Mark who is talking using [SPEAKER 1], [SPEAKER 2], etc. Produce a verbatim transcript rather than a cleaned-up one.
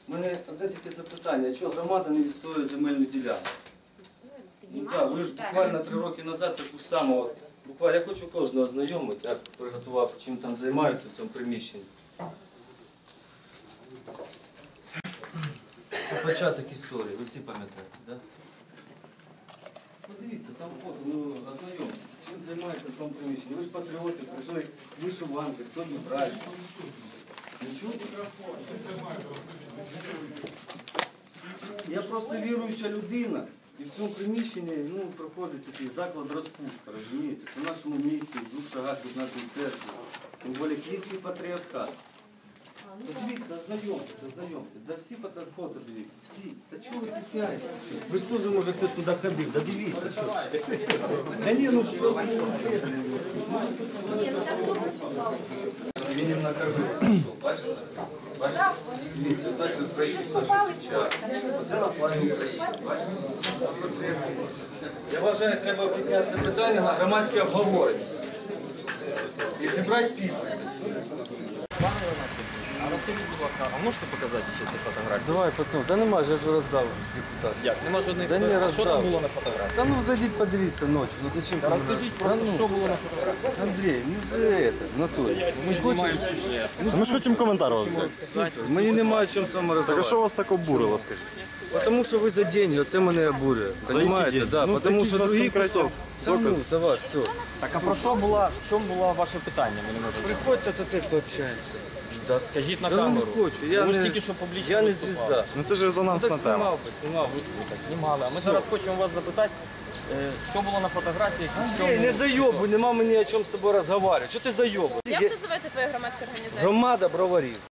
[SPEAKER 1] У мене одне таке запитання, чого громада не відстоює земельну ділянку? Ну так, ви ж буквально три роки назад таку ж саму, от, буквально, я хочу кожного ознайомити, як приготував, чим там займаються в цьому приміщенні. Це початок історії, ви всі пам'ятаєте, так? Да? Подивіться, там фото, ну ознайомте, чим займається в тому приміщенні. Ви ж патріоти, прийшли вишиванки, сьогодні праздник. Нічого? Я просто віруюча людина. І в цьому приміщенні ну, проходить такий заклад розпустка, розумієте? Це в нашому місті, в двох шагах від нашої церкви. Тим більше Київський патріархат. Подивіться, ознайомтесь, ознайомтесь. Да всі фото, фото дивіться, всі. Та чого ви стісняєтесь? Ви ж теж, може, хтось туди ходив, да дивіться, що. Та ні, ну просто... Ні,
[SPEAKER 2] ну так хто виступав?
[SPEAKER 1] Він накормив, бачите? Бачите? Дивіться, так
[SPEAKER 2] Виступали
[SPEAKER 1] Оце на флагі України, бачите? Я вважаю, треба підняти це питання на громадське обговорення. І зібрати підписи.
[SPEAKER 3] А розкажіть, будь ласка, а можете показати ще ці фотографії?
[SPEAKER 1] Давай потім. Та нема, я ж роздав депутат.
[SPEAKER 3] Як? Нема жодних
[SPEAKER 1] Да ні,
[SPEAKER 3] фотографій. А що
[SPEAKER 1] роздав.
[SPEAKER 3] там було на фотографії?
[SPEAKER 1] Та ну зайдіть, подивіться ночі. Ну зачем?
[SPEAKER 3] Та розкажіть просто, що було на фотографії.
[SPEAKER 1] Андрій, не за это, натурі.
[SPEAKER 3] Ми знімаємо сюжет.
[SPEAKER 4] Ми ж хочемо коментар вас взяти.
[SPEAKER 1] Мені немає чим з вами
[SPEAKER 4] Так а
[SPEAKER 1] розмовляти.
[SPEAKER 4] що вас так обурило, скажіть?
[SPEAKER 1] Тому що ви за деньги, оце мене обурює. Понимаєте?
[SPEAKER 4] деньги?
[SPEAKER 1] Да,
[SPEAKER 4] Ну,
[SPEAKER 1] тому
[SPEAKER 4] такі
[SPEAKER 1] що
[SPEAKER 4] ж у вас
[SPEAKER 1] другий
[SPEAKER 4] конкретні
[SPEAKER 1] кусок. Та ну, давай, все.
[SPEAKER 3] Так а про що була, в чому було ваше питання? Ми не можемо.
[SPEAKER 1] Приходьте, то так пообщаємося.
[SPEAKER 3] Да, скажіть на
[SPEAKER 1] Та ну не
[SPEAKER 3] камеру.
[SPEAKER 1] хочу, я
[SPEAKER 3] Ви ж
[SPEAKER 1] не,
[SPEAKER 3] тільки що публічно
[SPEAKER 1] я не
[SPEAKER 3] виступали.
[SPEAKER 1] звізда.
[SPEAKER 4] Ну це ж
[SPEAKER 1] Ну
[SPEAKER 4] резонансна
[SPEAKER 1] так
[SPEAKER 4] тема.
[SPEAKER 1] знімав би, знімав.
[SPEAKER 3] Ви так знімали. А ми зараз хочемо вас запитати, е, що було на фотографіях і в
[SPEAKER 1] Ей, не
[SPEAKER 3] чому...
[SPEAKER 1] зайобуй, нема мені о чому з тобою розмовляти. Що ти зайобуй?
[SPEAKER 2] Як називається твоя громадська організація?
[SPEAKER 1] Громада броварів.